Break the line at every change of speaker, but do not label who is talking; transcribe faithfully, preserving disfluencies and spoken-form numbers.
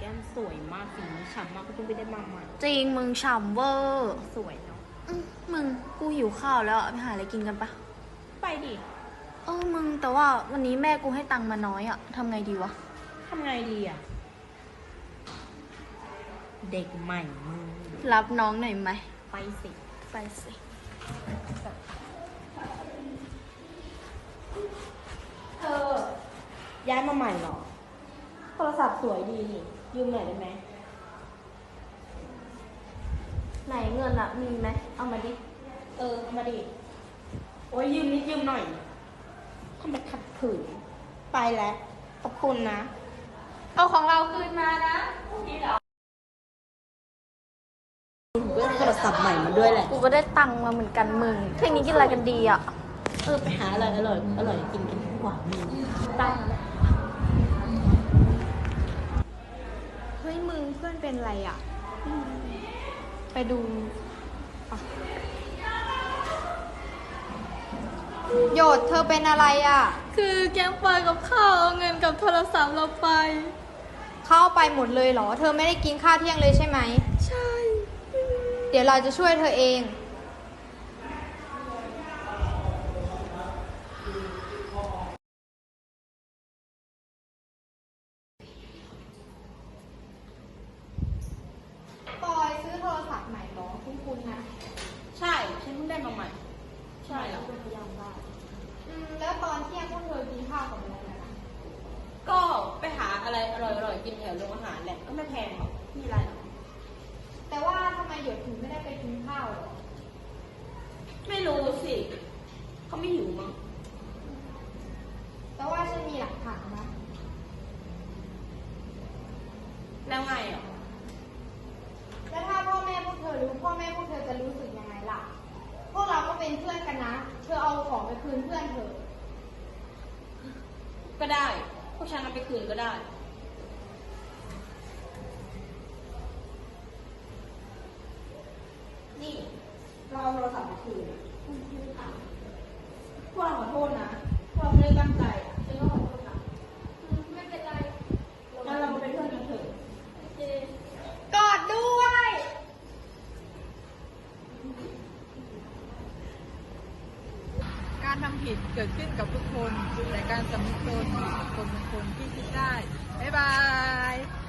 ก้มสวยมากสีนี้ฉ่ำมากก็เพิ่งไปได้มาใหม่
จริงมึงฉ่ำเวอร์
สวยเนาะ
มึงกูหิวข้าวแล้วไปหาอะไรกินกันปะ
ไปดิ
เออมึงแต่ว่าวันนี้แม่กูให้ตังค์มาน้อยอะทำไงดีวะ
ทำไงดีอะเด็กใหม่มึง
รับน้องหน่อยไหม
ไปสิ
ไปสิ
เธอย้ายมาใหม่เหรอโทรศัพท์สวยดีนี่ยืมหน่อยได้ไหม
ไหนเงินอะมีไหมเอามาดิ
เออเอามาดิโอ้ยยืมนิดยืมหน่อยทำไมขัดขืนไปแล้วขอบคุณนะ
เอาของเราคืนมานะนี่เหรอ
กูก็ได้โทรศัพท์ใหม่มาด้วยแหละ
กูก็ได้ตังค์มาเหมือนกันมึงเพลงนี้กินอะไรกันดีอะ
เออไปหาอะไรอร่อยอร่อยกินกันดีกว่ามึงตั้งแล้ว
เฮ้ยมึงเพื่อนเป็นอะไรอะไปดู
โยดเธอเป็นอะไรอ่ะ
คือแกงปลากับข้าวเอาเงินกับโทรศัพท์เราไป
เข้าไปหมดเลยเหรอเธอไม่ได้กินข้าวเที่ยงเลยใช่ไหม
ใช่
เดี๋ยวเราจะช่วยเธอเองปอยซื้อโทรศัพท์ใหม่เหรอคุ้นๆนะ
ใช่ฉันเพิ่งได้มาใหม่ใช่แล้ว
พยายามได้อืมแล้วตอนเที่ยงพวกเธอกินข้าวกับอะไรนะ
ก็ไปหาอะไรอร่อยๆกินแถวโรงอาหารแหละก็ไม่แพงหรอกมีอะไรหรอ
แต่ว่าทำไมหยดถึงไม่ได้ไปกินข้าวหรอ
ไม่รู้สิเขาไม่หิวมั้ง
แต่ว่าฉันมีหลักฐานนะ
แล้วไงอ่ะ
แล้วถ้าพ่อแม่พวกเธอรู้พ่อแม่พวกเธอจะรู้สึกยังไงล่ะพวกเราก็เป็นเพื่อนกันนะเธอเอาของไปคืนเพื่อนเธอ
ก็ได้พวกฉันเอาไปคืนก็ได้นี่เราเอาโทรศัพท์มาคืนพวกเราขอโทษนะพวกเราไม่ได้ตั้งใจอ่ะฉันก็ขอโทษนะ
ไม่เป็นไร
งั้นเรามาเป็นเพื่อนกันเถอะ
กอดด้วย
การทำผิดเกิดขึ้นกับทุกคนแต่การสำนึกตนของคนบางคนที่คิดได้บ๊ายบาย